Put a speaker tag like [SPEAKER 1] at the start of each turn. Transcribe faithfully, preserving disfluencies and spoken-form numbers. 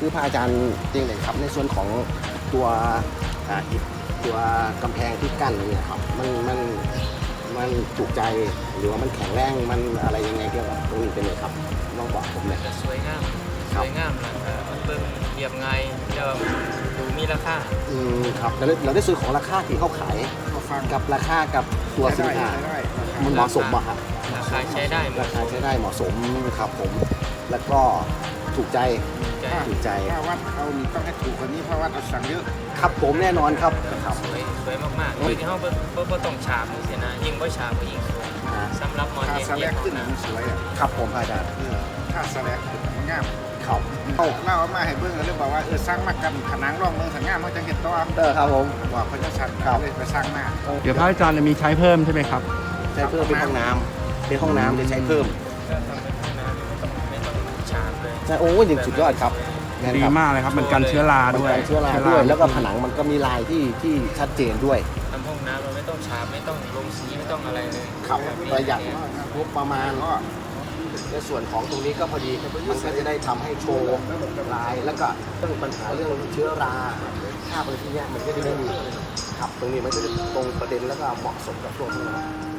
[SPEAKER 1] คือพระอาจารย์จริงเลยครับในส่วนของตัวอ่าอิฐตัวกำแพงที่กั้นเนี่ยครับมันมันมันถูกใจหรือว่ามันแข็งแรงมันอะไรยังไงเกี่ยวกับตรงนี้เป็นไงครับลองบอกผมหน่อย
[SPEAKER 2] จะสวยงามสวยงามนะมันเบิ่งเรียบง่ายแล้วดูมีราคา
[SPEAKER 1] อืมครับเราได้เราได้ซื้อของราคาที่เขาขาย
[SPEAKER 3] ก็ฟัง
[SPEAKER 1] กับราคากับตัวสินค้า
[SPEAKER 3] ได้
[SPEAKER 1] มันเหมาะสมป่ะครับ
[SPEAKER 2] ราคาใช้ได้หม
[SPEAKER 1] รา
[SPEAKER 2] ด
[SPEAKER 1] คาใช้ได้เหมาะสมครับผมแล้วก็ถูกใจ
[SPEAKER 2] ใจ
[SPEAKER 1] ถูกใจ
[SPEAKER 3] ถ้าวัดเอานี่ต้องให้ถูกกว่านี้เพราะวัดเอาสั่งเยอะ
[SPEAKER 1] ครับผมแน่นอนครับครับ
[SPEAKER 2] สวยสวยมากๆโดยที่เขาบ่บ่บ่ต้องฉาบเลยสินะยิ่งบ่ฉาบก็ยิ่งสวย
[SPEAKER 1] อ่า
[SPEAKER 2] สำหรับหมอน
[SPEAKER 3] ถ้า
[SPEAKER 2] เย็น
[SPEAKER 3] สแล
[SPEAKER 2] เย็
[SPEAKER 3] ก
[SPEAKER 2] น
[SPEAKER 3] ขึ้นมันสวยอ่ะ
[SPEAKER 1] ครับผมอาจารย์
[SPEAKER 3] เออถ้าสแลกขึ้นมันงาม
[SPEAKER 1] ครับ
[SPEAKER 3] เล่าเล่ามาให้เบิ่งเลยบอกว่าเออสร้างมากันขนางร่องเมืองสังงามเขาจะเห็นตัว
[SPEAKER 1] เตอร์ครับผม
[SPEAKER 3] บอกเขาจะสั่ง
[SPEAKER 1] ครับ
[SPEAKER 3] เลยไปสร้างมา
[SPEAKER 4] เดี๋ยวพระอาจารย์จะมีใช้เพิ่มใช่ไหมครับ
[SPEAKER 1] ใช้เพิ่มเป็นห้องน้ำเป็นห้องน้ำจะใช้เพิ่ม
[SPEAKER 2] ก็ทำเป็นห้องน้ำไม่ต้องไม่ต้องฉาบเลย
[SPEAKER 1] ใช่โอ้ยยังสุดยอดครับแน่น
[SPEAKER 4] ดี
[SPEAKER 1] ครับ
[SPEAKER 4] มากเลยครับ มันกันเชื้อรา
[SPEAKER 1] มัน
[SPEAKER 4] ด้วย
[SPEAKER 1] กันเชื้อราด้วยแล้วก็ผนังมันก็มีลายที่ที่ชัดเจนด้วย
[SPEAKER 2] ทำห้องน้ำเราไม่ต้องฉาบไม่ต้องลงสีไม่ต้องอะไรเลย
[SPEAKER 1] ครับประหยัดงบประมาณก็ในส่วนของตรงนี้ก็พอดีมันก็จะได้ทำให้โชว์ลายแล้วก็เรื่องปัญหาเรื่องเชื้อราคราบอะไรที่เนี้ยมันก็จะไม่มีครับตรงนี้มันก็จะตรงประเด็นแล้วก็เหมาะสมกับช่วงนี้นะ